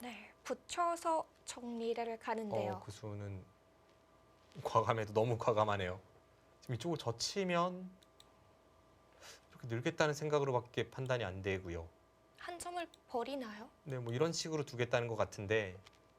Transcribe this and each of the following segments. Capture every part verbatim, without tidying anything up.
네, 붙여서 정리를 가는데요. 어, 그 수는 과감해도 너무 과감하네요. 지금 이쪽을 젖히면 이렇게 늘겠다는 생각으로밖에 판단이 안 되고요. 한 점을 버리나요? 네, 뭐 이런 식으로 두겠다는 것 같은데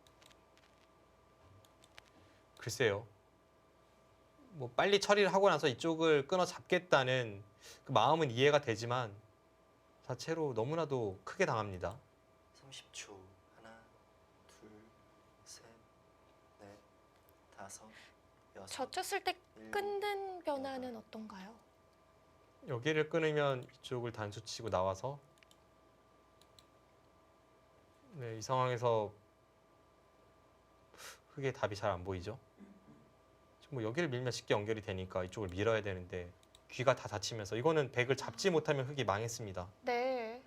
글쎄요. 뭐 빨리 처리를 하고 나서 이쪽을 끊어 잡겠다는 그 마음은 이해가 되지만 자체로 너무나도 크게 당합니다. 삼십 초. 하나, 둘, 셋, 넷, 다섯, 여섯. 젖혔을 때 일곱, 끊는 변화는 여덟. 어떤가요? 여기를 끊으면 이쪽을 단수 치고 나와서 네, 이 상황에서 흙의 답이 잘 안 보이죠. 지금 뭐 여기를 밀면 쉽게 연결이 되니까 이쪽을 밀어야 되는데 귀가 다 다치면서 이거는 백을 잡지 못하면 흙이 망했습니다. 네.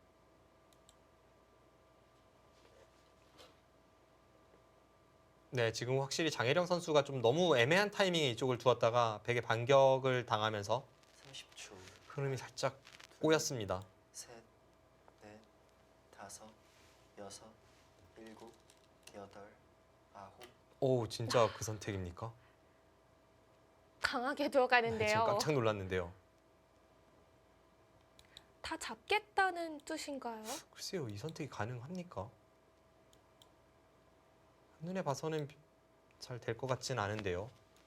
네, 지금 확실히 장혜령 선수가 좀 너무 애매한 타이밍에 이쪽을 두었다가 백의 반격을 당하면서 삼십 초. 흐름이 살짝 꼬였습니다. 셋, 넷, 다섯, 여섯, 일곱, 여덟, 아홉. 오, 진짜 그 선택입니까? 강하게 네, 들어가는데요. 지금 깜짝 놀랐는데요. 다 잡겠다는 뜻인가요? 글쎄요, 이 선택이 가능합니까? 눈에 봐서는 잘 될 것 같진 않은데요.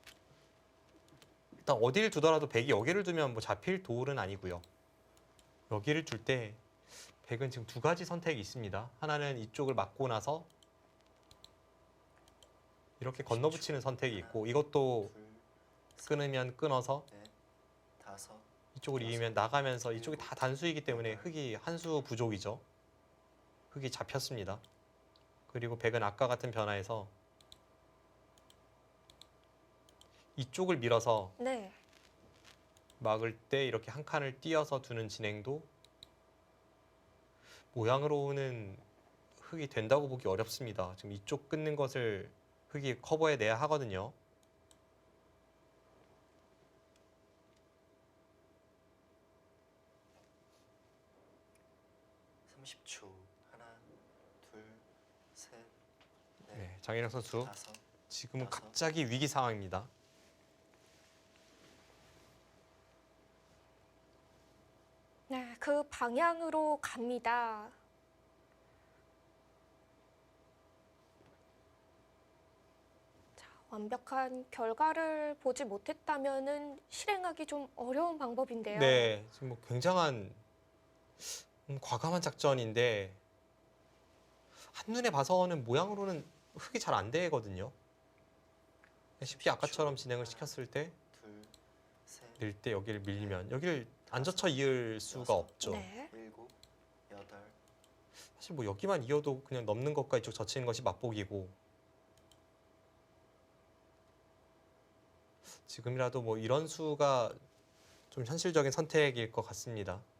일단 어디를 두더라도 백이 여기를 두면 뭐 잡힐 도울은 아니고요. 여기를 둘 때 백은 지금 두 가지 선택이 있습니다. 하나는 이쪽을 막고 나서 이렇게 건너붙이는 선택이 있고 이것도 둘, 셋, 끊으면 끊어서 넷, 다섯. 이쪽을 이으면 나가면서 이쪽이 다 단수이기 때문에 흙이 한 수 부족이죠. 흙이 잡혔습니다. 그리고 백은 아까 같은 변화에서 이쪽을 밀어서 네. 막을 때 이렇게 한 칸을 띄어서 두는 진행도 모양으로는 흙이 된다고 보기 어렵습니다. 지금 이쪽 끊는 것을 흙이 커버해 내야 하거든요. 삼십 초. 하나, 둘, 셋, 넷, 네, 장인영 선수 다섯. 지금은 다섯. 갑자기 위기 상황입니다. 네, 그 방향으로 갑니다. 자, 완벽한 결과를 보지 못했다면은 실행하기 좀 어려운 방법인데요. 네, 지금 뭐 굉장한 음, 과감한 작전인데 한눈에 봐서는 모양으로는 흙이 잘 안 되거든요. 쉽게 아까처럼 진행을 시켰을 때 둘, 셋, 늘 때 여기를 밀리면 여기를 안 젖혀 이을 수가 없죠. 네. 일곱, 여덟. 사실 뭐 여기만 이어도 그냥 넘는 것과 이쪽 젖히는 것이 맛보기고 지금이라도 뭐 이런 수가 좀 현실적인 선택일 것 같습니다.